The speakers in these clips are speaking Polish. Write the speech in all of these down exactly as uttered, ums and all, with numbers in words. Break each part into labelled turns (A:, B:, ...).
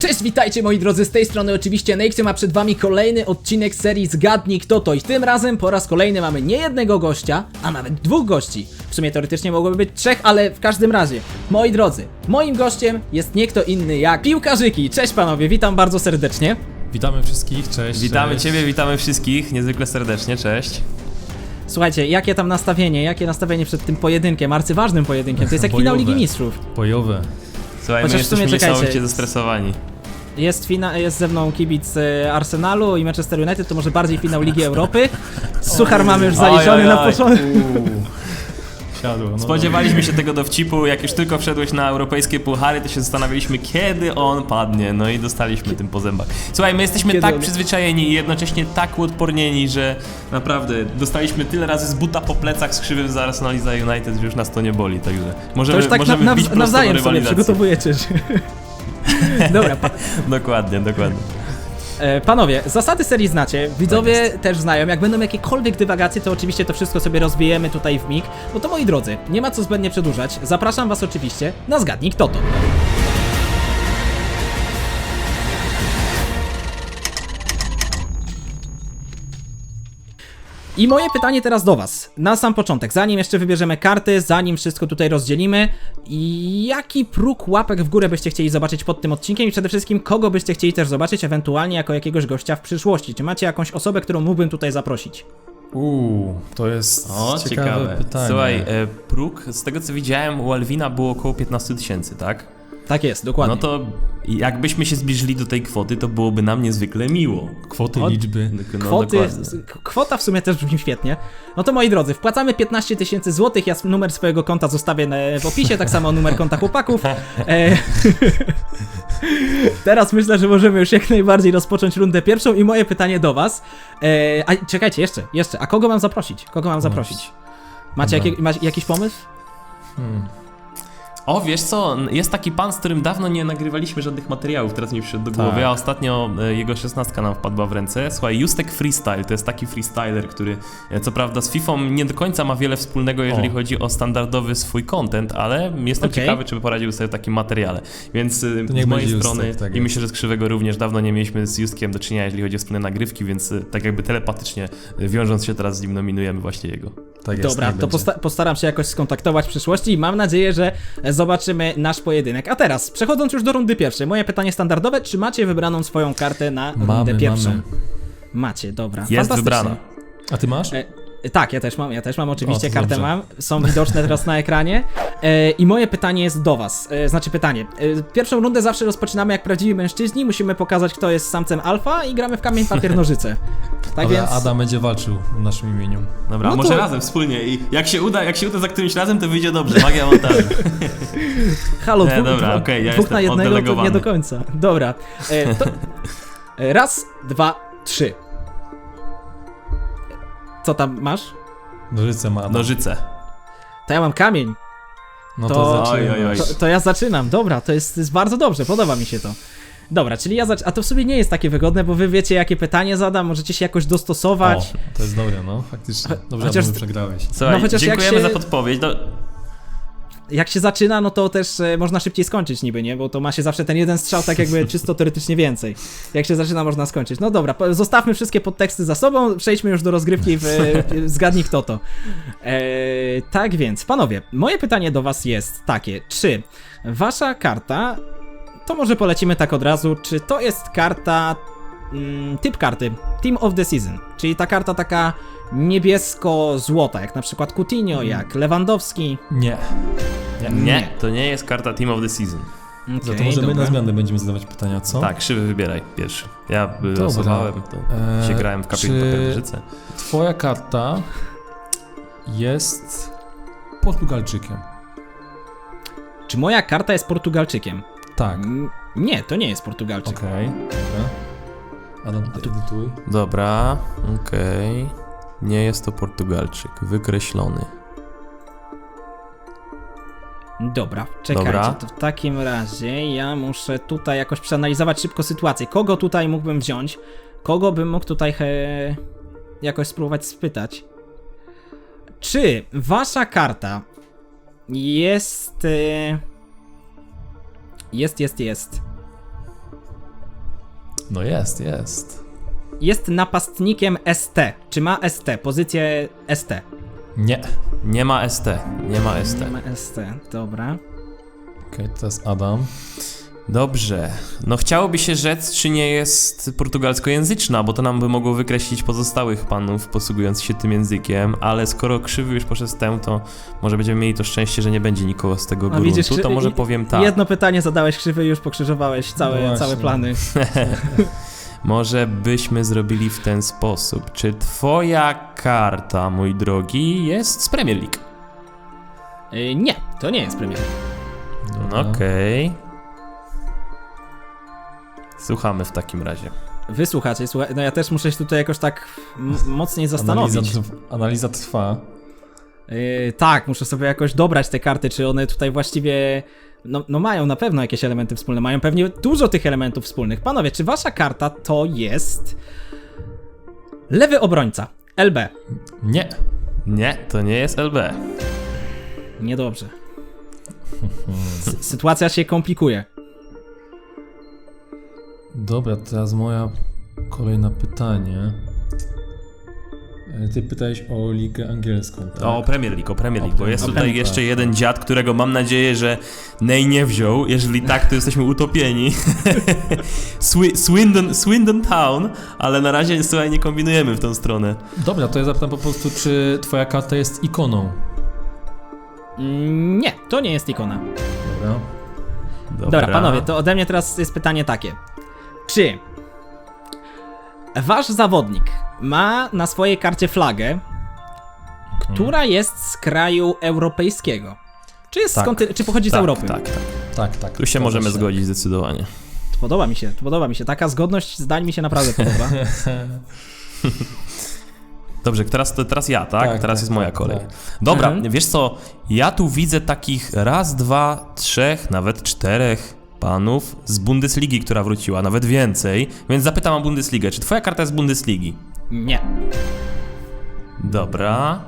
A: Cześć, witajcie moi drodzy, z tej strony oczywiście Nexium, a przed wami kolejny odcinek serii Zgadnij Kto To. I tym razem po raz kolejny mamy nie jednego gościa, a nawet dwóch gości. W sumie teoretycznie mogłoby być trzech, ale w każdym razie, moi drodzy, moim gościem jest nie kto inny jak piłkarzyki. Cześć panowie, witam bardzo serdecznie.
B: Witamy wszystkich, cześć.
C: Witamy
B: cześć.
C: Ciebie, witamy wszystkich, niezwykle serdecznie, cześć.
A: Słuchajcie, jakie tam nastawienie, jakie nastawienie przed tym pojedynkiem, arcyważnym pojedynkiem, to jest jak finał Ligi Mistrzów.
B: Bojowe.
C: Słuchaj,
A: Chociaż
C: my
A: w sumie
C: jesteśmy
A: czekajcie.
C: niesamowicie zestresowani.
A: Jest, fina, jest ze mną kibic e, Arsenalu i Manchester United, to może bardziej finał Ligi Europy. Suchar mamy już zaliczony
C: Oj, oj,
A: na
C: oj.
A: początku.
B: Siadło. No
C: Spodziewaliśmy się tego dowcipu, jak już tylko wszedłeś na europejskie puchary, to się zastanawialiśmy, kiedy on padnie, no i dostaliśmy tym po zębach. Słuchaj, my jesteśmy
A: Kiedy
C: tak
A: on-
C: przyzwyczajeni i jednocześnie tak uodpornieni, że naprawdę dostaliśmy tyle razy z buta po plecach z krzywym za Arsenal i za United, że już nas to nie boli, także
A: To
C: możemy,
A: już tak na,
C: możemy
A: na,
C: wbić prosto do
A: nawzajem sobie
C: rywalizacji.
A: przygotowujecie się. Dobra, pa,
C: Dokładnie, dokładnie.
A: e, panowie, zasady serii znacie, widzowie też znają, jak będą jakiekolwiek dywagacje, to oczywiście to wszystko sobie rozwijemy tutaj w mig. No to moi drodzy, nie ma co zbędnie przedłużać, zapraszam was oczywiście na Zgadnij Kto To. I moje pytanie teraz do was, na sam początek, zanim jeszcze wybierzemy karty, zanim wszystko tutaj rozdzielimy, jaki próg łapek w górę byście chcieli zobaczyć pod tym odcinkiem i przede wszystkim kogo byście chcieli też zobaczyć ewentualnie jako jakiegoś gościa w przyszłości? Czy macie jakąś osobę, którą mógłbym tutaj zaprosić?
B: Uuu, to jest
C: O,
B: ciekawe,
C: ciekawe.
B: pytanie.
C: Słuchaj, e, próg, z tego co widziałem, u Alwina było około piętnaście tysięcy, tak?
A: Tak jest, dokładnie.
C: No to jakbyśmy się zbliżyli do tej kwoty, to byłoby nam niezwykle miło.
B: Kwoty,
A: Od-
B: liczby.
C: No,
A: Kwoty,
C: dokładnie.
A: k- kwota w sumie też brzmi świetnie. No to moi drodzy, wpłacamy piętnaście tysięcy złotych, ja s- numer swojego konta zostawię na- w opisie, tak samo numer konta chłopaków. E, Teraz myślę, że możemy już jak najbardziej rozpocząć rundę pierwszą i moje pytanie do was. E, a czekajcie, jeszcze, jeszcze, a kogo mam zaprosić? Kogo mam zaprosić? Macie,
B: Dobra.
A: jakie, macie jakiś pomysł?
B: Hmm.
C: O, wiesz co, jest taki pan, z którym dawno nie nagrywaliśmy żadnych materiałów, teraz mi przyszedł do głowy,
B: Tak.
C: a ostatnio e, jego szesnastka nam wpadła w ręce. Słuchaj, Justek Freestyle to jest taki freestyler, który e, co prawda z Fifą nie do końca ma wiele wspólnego, jeżeli
B: O.
C: chodzi o standardowy swój content, ale jestem
A: Okej.
C: ciekawy, czy by poradził sobie w takim materiale. Więc e,
B: To niech
C: z mojej
B: będzie
C: strony
B: Justek, tak
C: i
B: jest.
C: myślę, że z Krzywego również dawno nie mieliśmy z Justkiem do czynienia, jeżeli chodzi o wspólne nagrywki, więc e, tak jakby telepatycznie e, wiążąc się teraz z nim nominujemy właśnie jego.
B: Tak jest,
A: Dobra,
B: niech
A: to
B: będzie.
A: posta postaram się jakoś skontaktować w przyszłości i mam nadzieję, że zobaczymy nasz pojedynek. A teraz, przechodząc już do rundy pierwszej, moje pytanie standardowe, czy macie wybraną swoją kartę na rundę
B: Mamy,
A: pierwszą?
B: mamy.
A: Macie, dobra.
C: Jest
A: fantastycznie.
C: wybrana.
B: A ty masz?
A: E, tak, ja też mam, ja też mam, oczywiście
B: O, to
A: kartę
B: dobrze.
A: mam, są widoczne teraz na ekranie. E, I moje pytanie jest do was, e, znaczy pytanie. E, pierwszą rundę zawsze rozpoczynamy jak prawdziwi mężczyźni, musimy pokazać, kto jest samcem alfa i gramy w kamień, papier, nożyce. Tak
B: Ale
A: więc...
B: Adam będzie walczył w naszym imieniu.
C: Dobra,
A: No
C: może
A: to-
C: razem, wspólnie i jak się uda, jak się uda za którymś razem, to wyjdzie dobrze, magia montażu.
A: Halo,
C: Nie,
A: dwóch,
C: dobra,
A: dwóch,
C: okej, ja
A: dwóch
C: jestem
A: na jednego to nie
C: oddelegowany.
A: do końca. Dobra. E, to... e, raz, dwa, trzy. Co tam masz?
B: Nożyce ma Adam.
C: Nożyce.
A: To ja mam kamień.
B: No
A: to-
B: to, zaczynamy.
C: Oj, oj, oj.
A: To, to ja zaczynam. Dobra, to jest, to jest bardzo dobrze, podoba mi się to. Dobra, czyli ja zac... A to w sobie nie jest takie wygodne, bo wy wiecie, jakie pytanie zadam, możecie się jakoś dostosować.
B: O, to jest dobre, no, faktycznie. Dobrze,
A: Chociaż-
B: Adam, że przegrałeś.
C: Słuchaj,
A: No chociaż jak
C: dziękujemy
A: się-
C: za podpowiedź. Do...
A: Jak się zaczyna, no to też e, można szybciej skończyć niby, nie? Bo to ma się zawsze ten jeden strzał, tak jakby czysto teoretycznie więcej. Jak się zaczyna, można skończyć. No dobra, po- zostawmy wszystkie podteksty za sobą, przejdźmy już do rozgrywki w, w Zgadnij Kto To. E, tak więc, panowie, moje pytanie do was jest takie, czy wasza karta, to może polecimy tak od razu, czy to jest karta, mm, typ karty, Team of the Season, czyli ta karta taka niebiesko-złota, jak na przykład Coutinho, jak Lewandowski.
B: Nie.
C: Nie,
A: Nie.
C: to nie jest karta Team of the Season.
B: Za to
A: Okej,
B: może my
A: dobra.
B: na zmianę będziemy zadawać pytania, co?
C: Tak, Krzywy wybieraj pierwszy. Ja
B: Dobra.
C: losowałem, to
B: Eee,
C: się grałem w kamień,
B: czy-
C: papier, nożyce.
B: Twoja karta jest Portugalczykiem.
A: Czy moja karta jest Portugalczykiem?
B: Tak.
A: Mm, Nie, to nie jest Portugalczyk.
B: Okej. Dobra. Adam, ty edytuj.
C: Dobra, okej. Nie jest to Portugalczyk, wykreślony.
A: Dobra, czekajcie,
C: Dobra.
A: to w takim razie ja muszę tutaj jakoś przeanalizować szybko sytuację. Kogo tutaj mógłbym wziąć? Kogo bym mógł tutaj he... jakoś spróbować spytać? Czy wasza karta jest... e, Jest, jest, jest.
B: No jest, jest.
A: Jest napastnikiem S T. Czy ma S T? Pozycję S T.
B: Nie.
C: Nie ma S T, nie ma S T.
A: Nie ma S T, dobra.
B: Okej, okay, to jest Adam.
C: Dobrze. No chciałoby się rzec, czy nie jest portugalskojęzyczna, bo to nam by mogło wykreślić pozostałych panów posługujących się tym językiem, ale skoro Krzywy już poszedł z tę, to może będziemy mieli to szczęście, że nie będzie nikogo z tego
A: A
C: gruntu,
A: widzisz,
C: to
A: Krzy-
C: może
A: i-
C: powiem tak.
A: Jedno pytanie zadałeś krzywy i już pokrzyżowałeś
B: No
A: całe,
B: właśnie.
A: całe plany.
C: Może byśmy zrobili w ten sposób. Czy twoja karta, mój drogi, jest z Premier League?
A: Y, nie, to nie jest premier.
B: Dobra.
C: Okej. Słuchamy w takim razie.
A: Wysłuchacie, słuchaj, no ja też muszę się tutaj jakoś tak m- mocniej zastanowić.
B: Analiza, trw- analiza trwa.
A: Yy, tak, muszę sobie jakoś dobrać te karty, czy one tutaj właściwie. No, no mają na pewno jakieś elementy wspólne, mają pewnie dużo tych elementów wspólnych. Panowie, czy wasza karta to jest. Lewy obrońca, L B?
B: Nie.
C: Nie, to nie jest L B.
A: Niedobrze. S- sytuacja się komplikuje.
B: Dobra, teraz moja kolejne pytanie. E, Ty pytałeś o ligę angielską, tak?
C: O Premier League, o Premier League,
B: O
C: bo jest
B: Premier
C: tutaj
B: League,
C: jeszcze
B: tak.
C: jeden dziad, którego mam nadzieję, że Ney nie wziął. Jeżeli tak, to jesteśmy utopieni. Swi- Swindon, Swindon Town, ale na razie słuchaj, nie kombinujemy w tą stronę.
B: Dobra, to ja zapytam po prostu, czy twoja karta jest ikoną?
A: Mm, nie, to nie jest ikona.
B: Dobra.
C: Dobra,
A: Dobra, panowie, to ode mnie teraz jest pytanie takie. Czy wasz zawodnik ma na swojej karcie flagę, która jest z kraju europejskiego? Czy, jest
C: Tak.
A: z konty- czy pochodzi z
C: tak,
A: Europy?
C: Tak, tak.
B: Tak, tak.
C: Tu się
B: zgadza
C: możemy zgodzić zdecydowanie.
A: Podoba mi się, podoba mi się. Taka zgodność zdań mi się naprawdę podoba.
C: Dobrze, teraz, to teraz ja, tak?
B: Tak,
C: teraz
B: tak,
C: jest moja
B: tak,
C: kolej.
B: tak.
C: Dobra,
A: Mhm.
C: wiesz co, ja tu widzę takich raz, dwa, trzech, nawet czterech panów z Bundesligi, która wróciła, nawet więcej, więc zapytam o Bundesligę. Czy twoja karta jest z Bundesligi?
A: Nie.
C: Dobra.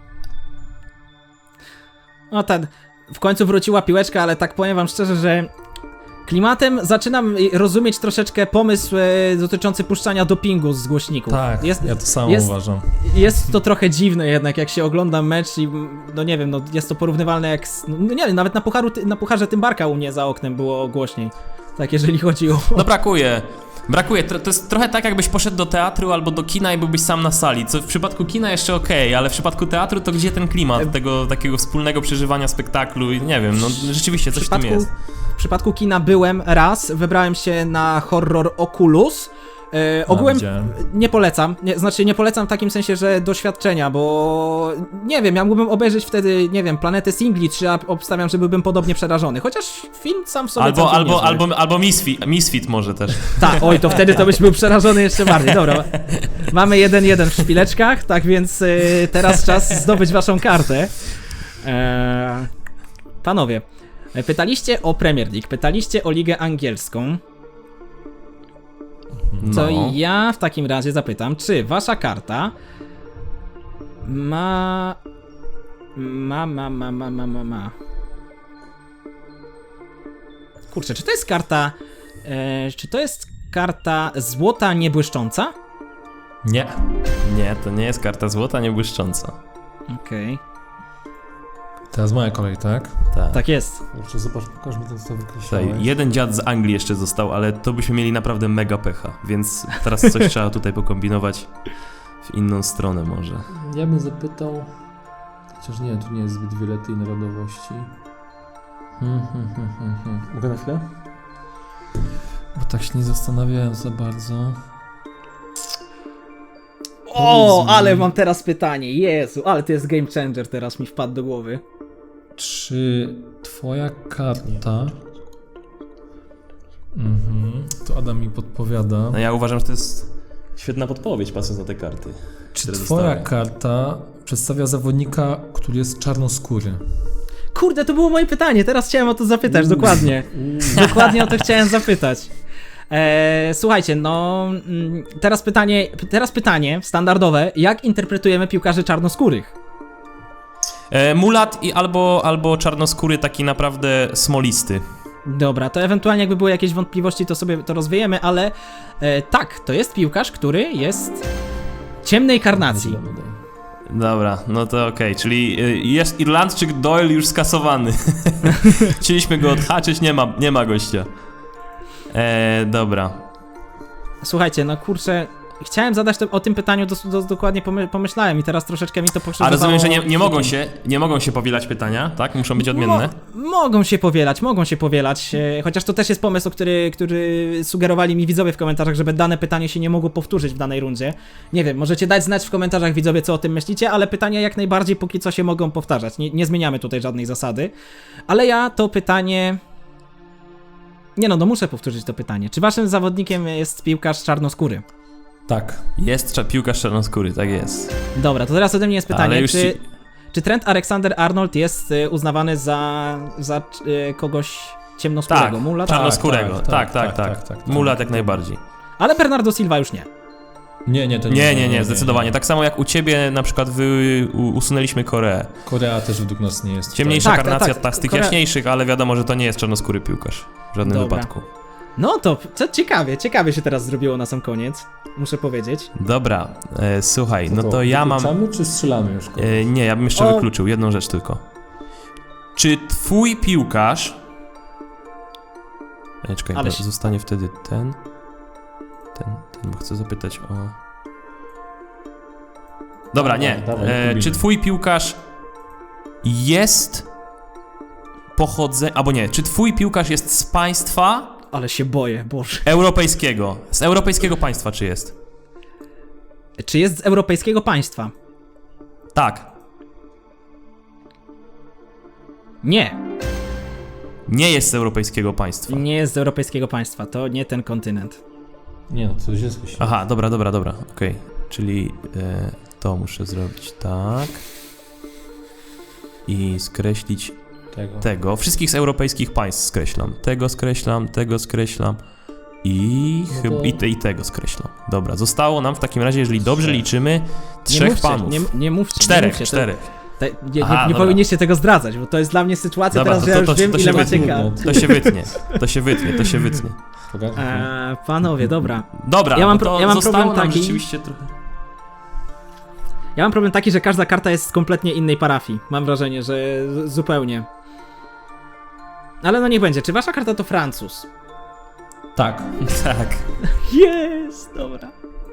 A: No ten, w końcu wróciła piłeczka, ale tak powiem wam szczerze, że klimatem zaczynam rozumieć troszeczkę pomysł e, dotyczący puszczania dopingu z głośników.
B: Tak,
A: jest,
B: ja to samo
A: jest-
B: uważam.
A: Jest to trochę dziwne jednak, jak się ogląda mecz i no nie wiem, no jest to porównywalne jak, z, no nie wiem, nawet na, pucharu, na pucharze Tymbarka u mnie za oknem było głośniej. Tak, jeżeli chodzi o...
C: No brakuje. Brakuje. Tro- To jest trochę tak, jakbyś poszedł do teatru albo do kina i byłbyś sam na sali. Co w przypadku kina jeszcze okej, ale w przypadku teatru to gdzie ten klimat tego takiego wspólnego przeżywania spektaklu i nie wiem, no rzeczywiście coś w tym jest.
A: W przypadku kina byłem raz, wybrałem się na horror Oculus. E, ogółem
B: widziałem.
A: nie polecam, nie, znaczy nie polecam w takim sensie, że doświadczenia, bo nie wiem, ja mógłbym obejrzeć wtedy, nie wiem, Planetę Singli, czy ja obstawiam, że byłbym podobnie przerażony, chociaż film sam w sobie
C: Albo,
A: całkiem
C: albo,
A: niezły.
C: albo, albo Misfit, Misfit może też.
A: Tak, oj, to wtedy to byś był przerażony jeszcze bardziej. Dobra, mamy jeden jeden w szpileczkach, tak więc y, teraz czas zdobyć waszą kartę. Eee, panowie, pytaliście o Premier League, pytaliście o Ligę Angielską, to
C: No.
A: ja w takim razie zapytam, czy wasza karta ma... ma, ma, ma, ma, ma, ma, ma... Kurczę, czy to jest karta... E, czy to jest karta złota niebłyszcząca?
B: Nie.
C: Nie, to nie jest karta złota, nie błyszcząca.
A: Okej,
B: Teraz moja kolej, tak?
C: Tak.
A: tak jest.
B: Kurczę, zobacz, pokaż mi to, co
C: Tutaj
B: wykreślałeś.
C: jeden dziad z Anglii jeszcze został, ale to byśmy mieli naprawdę mega pecha, więc teraz coś trzeba tutaj pokombinować w inną stronę może.
B: Ja bym zapytał... Chociaż nie, tu nie jest zbyt wiele tej narodowości. Hmm, hmm, hmm, hmm, hmm. Mogę na chwilę? Bo tak się nie zastanawiałem za bardzo.
A: O,
B: Powiedz mi.
A: ale mam teraz pytanie, Jezu, ale to jest game changer, teraz mi wpadł do głowy.
B: Czy twoja karta... Mhm, to Adam mi podpowiada.
C: No ja uważam, że to jest świetna podpowiedź, patrząc na te karty.
B: Czy
C: które
B: twoja
C: zostały.
B: karta przedstawia zawodnika, który jest czarnoskóry?
A: Kurde, to było moje pytanie, teraz chciałem o to zapytać, dokładnie. Dokładnie o to chciałem zapytać. Eee, słuchajcie, no mm, teraz pytanie, teraz pytanie standardowe, jak interpretujemy piłkarzy czarnoskórych?
C: E, mulat i albo, albo czarnoskóry taki naprawdę smolisty.
A: Dobra, to ewentualnie jakby były jakieś wątpliwości, to sobie to rozwiejemy, ale e, tak, to jest piłkarz, który jest ciemnej karnacji.
C: Dobra, no to okej, czyli y, jest Irlandczyk Doyle już skasowany. Chcieliśmy go odhaczyć, nie ma, nie ma gościa. E, dobra.
A: Słuchajcie, no kurczę, chciałem zadać to, o tym pytaniu, do, do, dokładnie pomy, pomyślałem i teraz troszeczkę mi to
C: A
A: pokrzyżowało.
C: rozumiem, że nie, nie mogą się, nie mogą się powielać pytania, tak? Muszą być odmienne.
A: Mo mogą się powielać, mogą się powielać, e, chociaż to też jest pomysł, który, który sugerowali mi widzowie w komentarzach, żeby dane pytanie się nie mogło powtórzyć w danej rundzie. Nie wiem, możecie dać znać w komentarzach widzowie, co o tym myślicie, ale pytania jak najbardziej póki co się mogą powtarzać, nie, nie zmieniamy tutaj żadnej zasady. Ale ja to pytanie... Nie no, no muszę powtórzyć to pytanie. Czy waszym zawodnikiem jest piłkarz czarnoskóry?
B: Tak.
C: Jest cza- piłkarz czarnoskóry, tak jest.
A: Dobra, to teraz ode mnie jest pytanie,
C: Ale już
A: czy,
C: ci-
A: czy Trent Alexander-Arnold jest y, uznawany za, za y, kogoś ciemnoskórego,
C: Tak,
A: mulat?
C: czarnoskórego,
B: Tak,
C: tak,
B: tak,
C: tak,
B: tak,
C: tak.
B: tak, tak,
C: Mulat
B: tak.
C: jak najbardziej.
A: Ale Bernardo Silva już nie.
B: Nie, nie, to
C: Nie, nie, nie, zdecydowanie. Tak samo jak u ciebie na przykład wy u- usunęliśmy Koreę.
B: Korea też według nas nie jest.
C: Ciemniejsza
A: Tak, tak,
C: karnacja
A: tak.
C: ta z tych
A: Korea-
C: jaśniejszych, ale wiadomo, że to nie jest czarnoskóry piłkarz. W żadnym
A: Dobra.
C: wypadku.
A: No to, co ciekawie, ciekawie się teraz zrobiło na sam koniec, muszę powiedzieć.
C: Dobra, e, słuchaj, no to ja mam...
B: Wykluczamy, czy strzelamy już kogoś?
C: E, nie, ja bym jeszcze
A: O.
C: wykluczył jedną rzecz tylko. Czy twój piłkarz... E, czekaj,
A: Ale
C: bo
A: się-
C: zostanie wtedy ten... Ten, ten, bo chcę zapytać o... Dobra,
B: Dawaj,
C: nie.
B: dawaj,
C: E,
B: próbujmy.
C: czy twój piłkarz jest pochodzenia... Albo nie, czy twój piłkarz jest z państwa
A: Ale się boję, Boże.
C: europejskiego? Z europejskiego państwa czy jest?
A: Czy jest z europejskiego państwa?
C: Tak.
A: Nie,
C: Nie jest z europejskiego państwa.
A: nie jest z europejskiego państwa, to nie ten kontynent.
B: Nie no, to źle słyszy.
C: Aha, dobra, dobra, dobra, okej. Czyli e, to muszę zrobić tak. I skreślić
B: Tego.
C: tego. Wszystkich z europejskich państw skreślam. Tego skreślam, tego skreślam. I
B: No
C: chyba
B: to-
C: i, te, i tego skreślam. Dobra, zostało nam w takim razie, jeżeli dobrze
B: Trzech.
C: liczymy,
A: Nie
C: trzech
A: mówcie,
C: panów.
A: Nie, nie mówcie, nie
C: Czterech,
A: mówcie, to-
C: czterech.
A: Te, nie,
C: Aha,
A: nie, nie
C: dobra.
A: powinniście tego zdradzać, bo to jest dla mnie sytuacja
C: Dobra,
A: teraz,
C: to-
A: że ja
C: to-
A: już
C: to-
A: wiem,
C: to
A: ile
C: się
A: macie
B: wytnie.
A: kart.
C: To się wytnie, to się wytnie, to się wytnie.
B: Pogadaj.
A: Eee, panowie, dobra.
C: Dobra,
A: Ja mam
C: no to
A: pro- ja mam
C: zostało
A: problem
C: nam
A: taki-
C: rzeczywiście trochę.
A: Ja mam problem taki, że każda karta jest z kompletnie innej parafii. Mam wrażenie, że z- zupełnie. Ale no niech będzie. Czy wasza karta to Francuz?
B: Tak.
C: Tak.
A: Jest, dobra.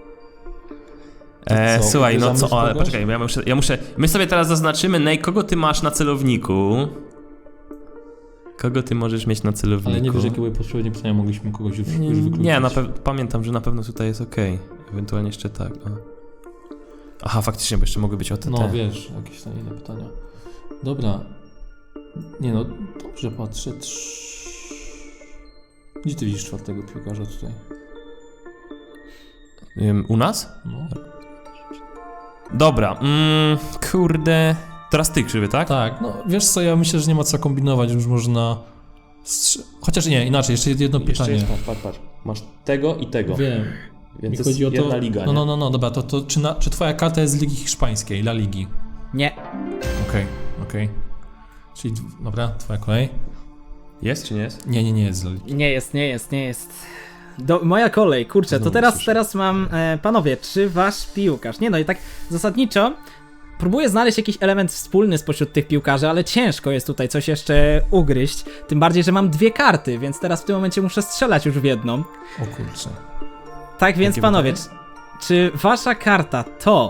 C: E,
B: co,
C: słuchaj, no
B: uderzamy
C: co,
B: w
C: ale
B: kogoś?
C: poczekaj, ja muszę, ja muszę, my sobie teraz zaznaczymy, Nej, kogo ty masz na celowniku? Kogo ty możesz mieć na celowniku?
B: Ale nie wiesz, jakie były poprzednie pytania, mogliśmy kogoś już,
C: Nie,
B: już wykluczyć.
C: nie na pew- pamiętam, że na pewno tutaj jest okej. Ewentualnie jeszcze tak, o. Aha, faktycznie, bo jeszcze mogły być o te,
B: No
C: te.
B: wiesz, jakieś tam inne pytania. Dobra. Nie no, dobrze patrzę. Trz... Gdzie ty widzisz czwartego piłkarza tutaj?
C: Ym, u nas?
B: No.
C: Dobra, mm, kurde... Teraz ty, Krzywy, tak?
B: Tak, no wiesz co, ja myślę, że nie ma co kombinować, już można... Strz... Chociaż nie, inaczej, jeszcze jedno pytanie.
C: patrz, patrz, patrz. Masz tego i tego.
B: Wiem.
C: Więc
B: Mi
C: jest
B: chodzi o to...
C: jedna liga,
B: no,
C: nie?
B: no, no, no, dobra, to, to czy, na, czy twoja karta jest z Ligi Hiszpańskiej, La Ligi?
A: Nie.
B: Okej, okej. Czyli, d- dobra, twoja kolej?
C: Jest czy nie jest?
B: Nie, nie, nie jest z La Ligi.
A: Nie jest, nie jest, nie jest. Do, moja kolej, kurczę, to
B: Znowu
A: teraz,
B: słyszę.
A: teraz mam, e, panowie, czy wasz piłkarz? Nie no i tak zasadniczo próbuję znaleźć jakiś element wspólny spośród tych piłkarzy, ale ciężko jest tutaj coś jeszcze ugryźć. Tym bardziej, że mam dwie karty, więc teraz w tym momencie muszę strzelać już w jedną.
B: O kurczę.
A: Tak więc
C: Jakie
A: panowie, czy,
C: pytanie?
A: czy wasza karta to...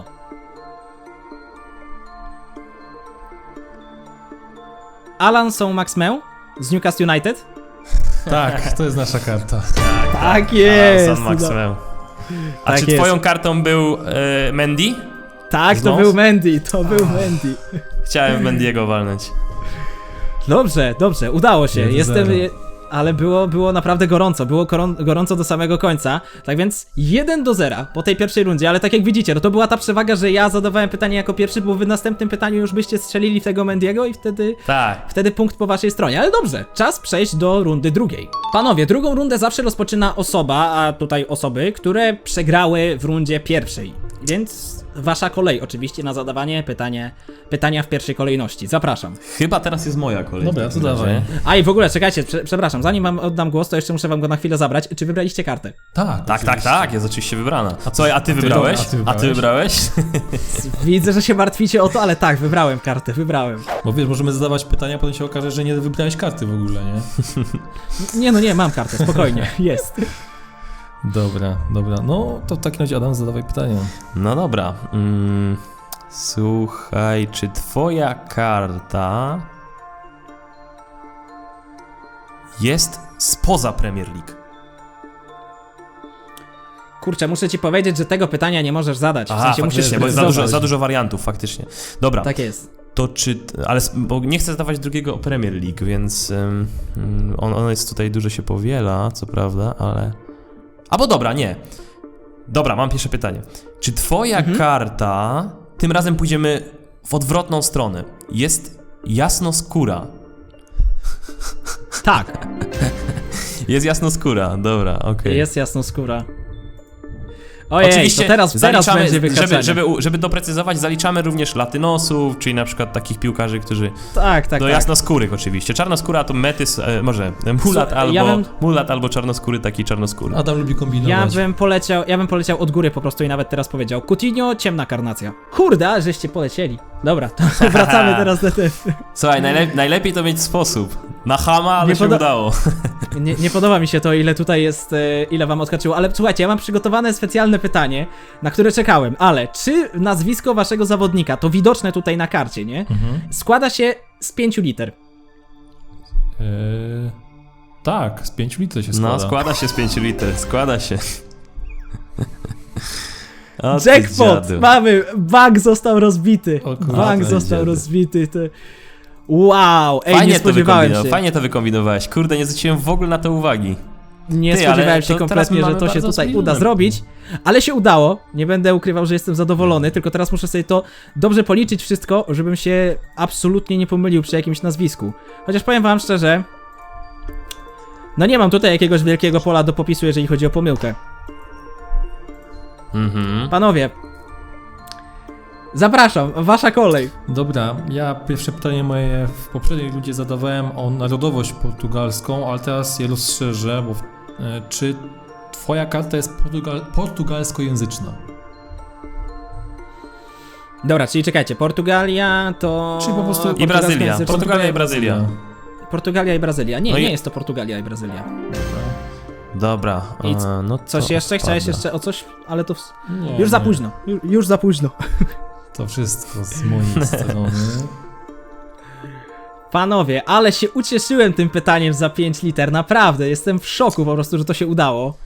A: Alan Saint-Maximin z Newcastle United?
B: Tak, to jest nasza karta.
A: Tak jest!
C: A, San Maxwell. A
A: Tak
C: czy
A: jest.
C: twoją kartą był e, Mendy?
A: Tak, to
C: Znów?
A: był Mendy, to był Mendy.
C: Chciałem Mendiego walnąć.
A: Dobrze, dobrze, udało się.
B: jeden
A: Jestem.
B: zero.
A: je- Ale było, było naprawdę gorąco, było koron, gorąco do samego końca. Tak więc jeden do zera po tej pierwszej rundzie, ale tak jak widzicie, no to była ta przewaga, że ja zadawałem pytanie jako pierwszy, bo wy w następnym pytaniu już byście strzelili w tego Mendiego i wtedy.
C: Tak.
A: Wtedy punkt po waszej stronie, ale dobrze, czas przejść do rundy drugiej. Panowie, drugą rundę zawsze rozpoczyna osoba, a tutaj osoby, które przegrały w rundzie pierwszej. Więc wasza kolej oczywiście na zadawanie pytanie, pytania w pierwszej kolejności. Zapraszam.
C: Chyba teraz jest moja kolej.
B: Dobra,
C: w takim
B: to
C: razie.
B: dawaj.
A: A i w ogóle, czekajcie, prze, przepraszam, zanim wam oddam głos, to jeszcze muszę wam go na chwilę zabrać. Czy wybraliście kartę?
B: Tak,
C: Tak, tak,
B: oczywiście.
C: tak, jest oczywiście wybrana. A co, a ty
B: ty
C: wybrałeś?
B: dobra, a ty
C: A ty wybrałeś?
A: Widzę, że się martwicie o to, ale tak, wybrałem kartę, wybrałem.
B: Bo wiesz, możemy zadawać pytania, a potem się okaże, że nie wybrałeś karty w ogóle, nie?
A: Nie no nie, mam kartę, spokojnie, jest.
B: Dobra, dobra. No to w takim razie Adam, zadawaj pytania.
C: No dobra. Mm, słuchaj, czy twoja karta jest spoza Premier League?
A: Kurczę, muszę ci powiedzieć, że tego pytania nie możesz zadać. W
C: Aha,
A: sensie musisz
C: faktycznie, bo jest za dużo,
A: sprecyzować.
C: za dużo wariantów, faktycznie. Dobra,
A: Tak jest.
C: to czy... Ale s- bo nie chcę zadawać drugiego o Premier League, więc ym, ym, on, on jest tutaj, dużo się powiela, co prawda, ale... Albo dobra, nie. Dobra, mam pierwsze pytanie. Czy twoja
A: Mhm.
C: karta... Tym razem pójdziemy w odwrotną stronę. Jest jasnoskóra.
A: Tak,
C: Jest jasnoskóra, dobra, okej.
A: jest jasnoskóra. Ojej,
C: Oczywiście
A: to teraz, teraz
C: zaliczamy,
A: będzie wykaczanie.
C: żeby, żeby, u- żeby doprecyzować, zaliczamy również latynosów, czyli na przykład takich piłkarzy, którzy...
A: Tak, tak,
C: do
A: tak.
C: jasnoskórych oczywiście. Czarnoskóra to metys, e, może e, mulat,
A: Co,
C: albo,
A: ja bym-
C: mulat albo czarnoskóry, taki czarnoskóry.
B: Adam lubi
A: Ja
B: kombinować.
A: bym poleciał, ja bym poleciał od góry po prostu i nawet teraz powiedział. Coutinho, ciemna karnacja. Kurde, żeście polecieli. Dobra, to wracamy teraz do tego.
C: Słuchaj, najlep najlepiej to mieć sposób. Na chama, ale
A: Nie
C: się
A: poda-
C: udało.
A: Nie, nie podoba mi się to, ile tutaj jest, e, ile wam odskoczyło, ale słuchajcie, ja mam przygotowane specjalne pytanie, na które czekałem, ale czy nazwisko waszego zawodnika, to widoczne tutaj na karcie, nie?
B: Mhm.
A: Składa się z pięciu liter.
B: Eee, tak, z pięciu litrów się składa.
C: No, składa się z pięciu liter, składa się. O, ty
A: Jackpot!
C: dziadu.
A: Mamy! Bank został rozbity.
B: O kurde,
A: Bank
C: ty
A: został
C: dziady.
A: rozbity. To... Wow! Ej,
C: Fajnie
A: nie
C: to
A: spodziewałem
C: wykombinowa-
A: się.
C: Fajnie to wykombinowałeś. Kurde, nie zwróciłem w ogóle na to uwagi.
A: Nie
C: Ty,
A: spodziewałem
C: ale
A: się
C: to teraz
A: kompletnie, że
C: mamy
A: to się
B: bardzo
A: tutaj
B: zbliżone.
A: uda zrobić, ale się udało. Nie będę ukrywał, że jestem zadowolony, tylko teraz muszę sobie to dobrze policzyć wszystko, żebym się absolutnie nie pomylił przy jakimś nazwisku. Chociaż powiem wam szczerze, no nie mam tutaj jakiegoś wielkiego pola do popisu, jeżeli chodzi o pomyłkę.
C: Mhm.
A: Panowie, zapraszam, wasza kolej.
B: Dobra, ja pierwsze pytanie moje w poprzedniej ludzie zadawałem o narodowość portugalską, ale teraz je rozszerzę, bo e, czy twoja karta jest portugal portugalskojęzyczna?
A: Dobra, czyli czekajcie, Portugalia to...
B: Czyli po prostu-
C: I Brazylia.
A: portugalska-
C: Portugalia i Brazylia.
A: Portugalia i Brazylia. Nie,
C: No i-
A: nie jest to Portugalia i Brazylia.
C: Dobra,
A: I
C: e, no
A: Coś
C: to
A: jeszcze? Chciałeś
C: odpada.
A: jeszcze o coś? Ale to... W...
B: Nie,
A: Już za
B: nie.
A: późno. Ju, już za późno.
B: To wszystko z mojej strony.
A: Panowie, ale się ucieszyłem tym pytaniem za pięć liter. Naprawdę, jestem w szoku po prostu, że to się udało.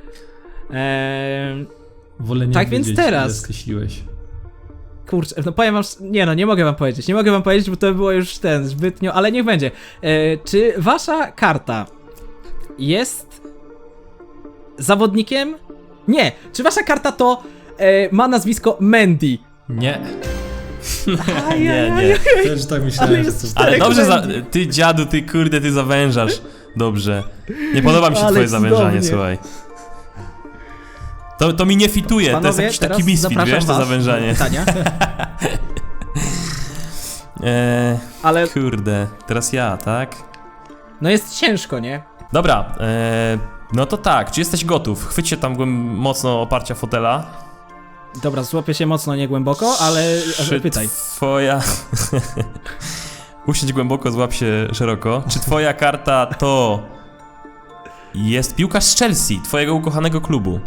A: Eee,
B: Wolę nie
A: Tak więc
B: wiedzieć,
A: teraz.
B: ile skreśliłeś.
A: kurczę, no powiem wam... Nie no, nie mogę wam powiedzieć. Nie mogę wam powiedzieć, bo to było już ten, zbytnio... Ale niech będzie. Eee, czy wasza karta jest zawodnikiem? Nie. Czy wasza karta to e, ma nazwisko Mendy?
B: Nie.
C: Nie, nie.
B: Też tak myślałem,
A: Ale
B: że
A: jest
B: to...
C: Ale
A: Czterech
C: dobrze, za,
A: będzie.
C: ty dziadu, ty kurde, ty zawężasz. Dobrze. Nie podoba mi się
A: Ale
C: twoje zawężanie,
A: cudownie.
C: słuchaj. To, to mi nie fituje, to jest
A: Panowie,
C: jakiś taki
A: teraz
C: misfit,
A: zapraszam
C: wiesz, to
A: was
C: zawężanie.
A: do pytania.
C: Eee,
A: Ale
C: kurde, teraz ja, tak?
A: no jest ciężko, nie?
C: Dobra, eee, no to tak, czy jesteś gotów? Chwyć się tam głęb- mocno oparcia fotela.
A: Dobra, złapię się mocno, nie głęboko, ale
C: Czy
A: pytaj.
C: twoja... Usiądź głęboko, złap się szeroko. Czy twoja karta to... jest piłkarz z Chelsea, twojego ukochanego klubu?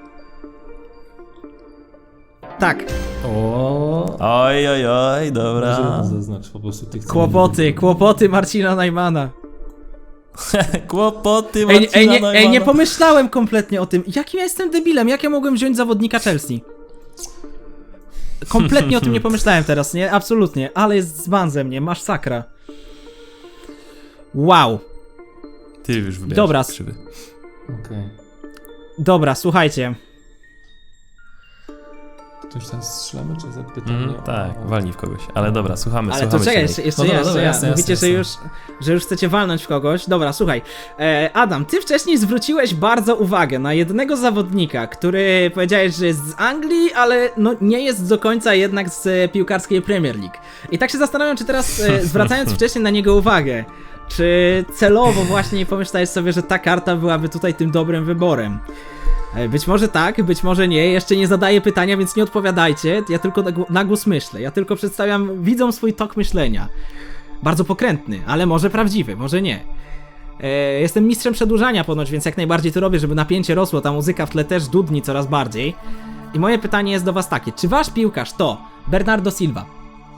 A: Tak,
B: O.
C: Oj, oj, oj, dobra.
B: Może zaznacz po prostu tych co
A: kłopoty,
B: nie
A: kłopoty Marcina Najmana.
C: Kłopoty
A: Ej,
C: Marcina
A: ej, nie, ej, nie
C: Najmana.
A: pomyślałem kompletnie o tym. Jakim ja jestem debilem? Jak ja mogłem wziąć zawodnika Chelsea? Kompletnie o tym nie pomyślałem teraz, nie? Absolutnie. Ale jest dzban ze mnie, masz sakra. Wow.
C: Ty już wybierasz
A: Dobra.
B: Okej.
A: Dobra, słuchajcie.
B: To już teraz strzelamy, czy zapytamy?
C: Mm, tak, walnij w kogoś. Ale dobra, słuchamy,
A: Ale to
C: słuchamy
A: czekaj,
C: cię,
A: jeszcze, jeszcze
B: No
A: ja,
B: dobra,
A: jeszcze
B: dobra,
A: ja.
B: jasne,
A: Mówicie,
B: jasne,
A: że,
B: jasne.
A: już, że już chcecie walnąć w kogoś. Dobra, słuchaj. E, Adam, ty wcześniej zwróciłeś bardzo uwagę na jednego zawodnika, który powiedziałeś, że jest z Anglii, ale no nie jest do końca jednak z e, piłkarskiej Premier League. I tak się zastanawiam, czy teraz, e, zwracając wcześniej na niego uwagę, czy celowo właśnie nie pomyślałeś sobie, że ta karta byłaby tutaj tym dobrym wyborem. Być może tak, być może nie, jeszcze nie zadaję pytania, więc nie odpowiadajcie, ja tylko na, gł- na głos myślę, ja tylko przedstawiam widzom swój tok myślenia. Bardzo pokrętny, ale może prawdziwy, może nie. E, jestem mistrzem przedłużania ponoć, więc jak najbardziej to robię, żeby napięcie rosło, ta muzyka w tle też dudni coraz bardziej. I moje pytanie jest do was takie, czy wasz piłkarz to Bernardo Silva?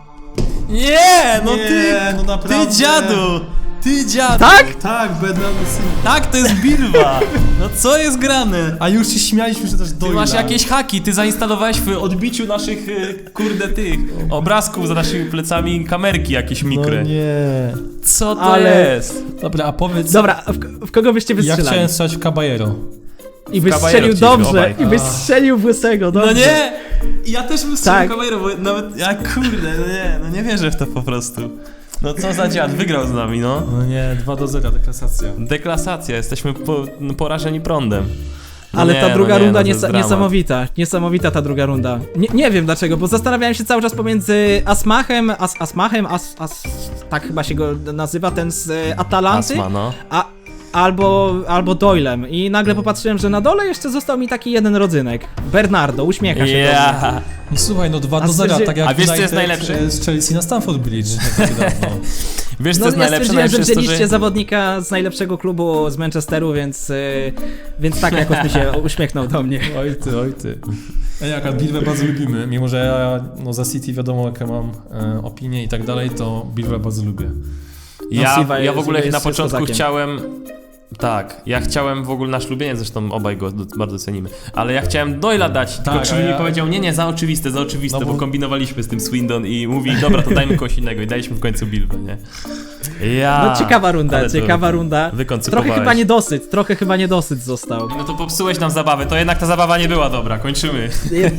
C: Nie, no ty,
D: Nie, no naprawdę.
C: ty dziadu! Ty dziadu!
A: Tak?
D: Tak, Bernardo Silva.
C: Tak, to jest Bilwa! No co jest grane?
D: A już się śmialiśmy, że też
C: Ty
D: Doyle.
C: masz jakieś haki, ty zainstalowałeś w odbiciu naszych, e, kurde, tych obrazków za naszymi plecami kamerki jakieś mikre.
D: No nie.
C: Co to
A: Ale-
C: jest?
D: Dobra, a powiedz...
A: Dobra, a w, k- w kogo byście
D: Ja
A: wystrzelali?
D: chciałem strzelać w Caballero.
A: I byś
C: Caballero
A: strzelił
C: chcieliśmy
A: dobrze,
C: obaj.
A: i byś strzelił w łysego, dobrze.
C: No nie! Ja też bym strzelił
A: Tak.
C: kamerą, bo nawet, ja kurde, no nie, no nie wierzę w to po prostu. No co za dziad, wygrał z nami, no.
D: No nie, dwa do zera, deklasacja.
C: Deklasacja, jesteśmy po, no, porażeni prądem. No
A: Ale
C: nie,
A: ta druga
C: no nie,
A: runda
C: no to jest
A: niesa-
C: dramat.
A: niesamowita, niesamowita ta druga runda. Nie, nie wiem dlaczego, bo zastanawiałem się cały czas pomiędzy Asmachem, As, Asmachem, As, As, tak chyba się go nazywa, ten z e, Atalanty,
C: Asma, no.
A: a, albo, albo Doylem i nagle popatrzyłem, że na dole jeszcze został mi taki jeden rodzynek. Bernardo, uśmiecha się do mnie.
C: Ja.
D: No słuchaj, no dwa
A: A
D: do zera,
A: stwierdzi-
D: tak jak
C: A wiesz, co jest
D: United,
C: najlepsze?
D: e, z Chelsea na Stamford Bridge. nie tak dawno.
C: Wiesz co
A: No
C: jest
A: ja
C: najlepsze?
A: stwierdziłem,
C: Najlepsze
A: że
C: jest to,
A: wzięliście
C: że...
A: zawodnika z najlepszego klubu z Manchesteru, więc, y, więc tak jakoś mi się uśmiechnął do mnie.
D: Oj ty, oj ty. A jak, a Bilwę bardzo lubimy, mimo że ja no, za City wiadomo jakie mam e, opinie i tak dalej, to Bilwę bardzo lubię.
A: No,
C: Ja,
A: Silva
C: ja w
A: jest-
C: ogóle
A: jest-
C: na
A: jest
C: początku
A: kozakiem.
C: chciałem... Tak, ja chciałem w ogóle na ślubienie, zresztą obaj go do- bardzo cenimy, ale ja chciałem Doyla dać, tylko
D: Tak,
C: Krzywy
D: a ja-
C: mi powiedział, nie, nie, za oczywiste, za oczywiste,
D: No
C: bo...
D: bo-
C: kombinowaliśmy z tym Swindon i mówi, dobra, to dajmy kogoś innego i daliśmy w końcu Bilbę, nie? Ja,
A: No ciekawa runda,
C: ale to
A: ciekawa runda.
C: wykoncypowałeś.
A: Trochę chyba niedosyt, trochę chyba niedosyt został.
C: No to popsułeś nam zabawę, to jednak ta zabawa nie była dobra, kończymy.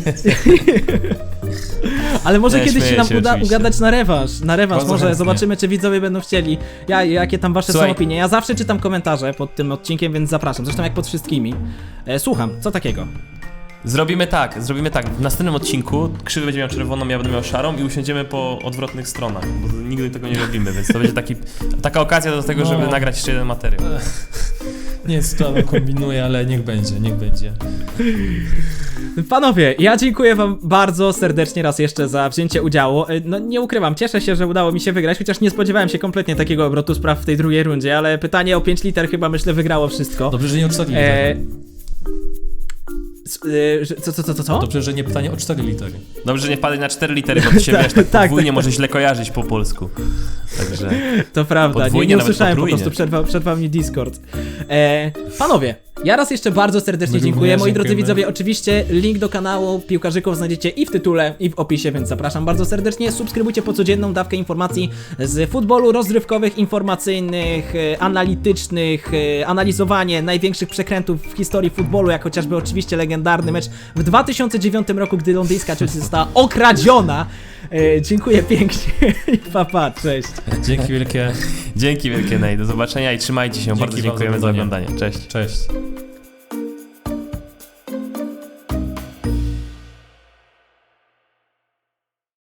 A: Ale może
C: Nie,
A: kiedyś się
C: śmieję
A: nam
C: się
A: uda
C: oczywiście.
A: ugadać na rewanż. Na rewanż
D: Bardzo
A: może
D: chętnie.
A: zobaczymy, czy widzowie będą chcieli. Ja, jakie tam wasze
C: Słuchaj.
A: są opinie. Ja zawsze czytam komentarze pod tym odcinkiem, więc zapraszam. Zresztą jak pod wszystkimi. E, słucham, co takiego?
C: Zrobimy tak, zrobimy tak, w następnym odcinku Krzywy będzie miał czerwoną, ja będę miał szarą i usiądziemy po odwrotnych stronach, bo nigdy tego nie robimy, więc to będzie taki, taka okazja do tego,
D: No.
C: żeby nagrać jeszcze jeden materiał.
D: Nie, z to kombinuję, ale niech będzie, niech będzie.
A: Panowie, ja dziękuję wam bardzo serdecznie raz jeszcze za wzięcie udziału. E, No nie ukrywam, cieszę się, że udało mi się wygrać, chociaż nie spodziewałem się kompletnie takiego obrotu spraw w tej drugiej rundzie, ale pytanie o pięć liter chyba myślę wygrało wszystko.
D: Dobrze, że nie o cztery
A: E,
D: litery.
A: s- e, że- co, co, co, co, co?
D: Dobrze, że nie pytanie o cztery litery.
C: Dobrze, że nie wpadli na cztery litery, bo to się wiesz, tak
A: tak,
C: podwójnie
A: tak.
C: może źle kojarzyć po polsku. Także
A: To prawda, nie,
C: Podwójnie,
A: nie
C: nawet
A: usłyszałem po
C: potrójnie.
A: prostu, przerwał, przerwał mi Discord. E, panowie, ja raz jeszcze bardzo serdecznie
D: My
A: dziękuję.
D: również
A: Moi drodzy
D: dziękujemy.
A: widzowie, oczywiście link do kanału Piłkarzyków znajdziecie i w tytule, i w opisie, więc zapraszam bardzo serdecznie. Subskrybujcie po codzienną dawkę informacji z futbolu, rozrywkowych, informacyjnych, e, analitycznych, e, analizowanie największych przekrętów w historii futbolu, jak chociażby oczywiście legendarny mecz w dwa tysiące dziewiątym roku, gdy londyńska Chelsea została okradziona. E, dziękuję pięknie i pa, pa, cześć.
D: Dzięki wielkie.
C: dzięki wielkie, Nate, do zobaczenia i trzymajcie się,
D: Dzięki
C: bardzo
D: wam za
C: dziękujemy za
D: oglądanie.
C: oglądanie, cześć.
D: Cześć.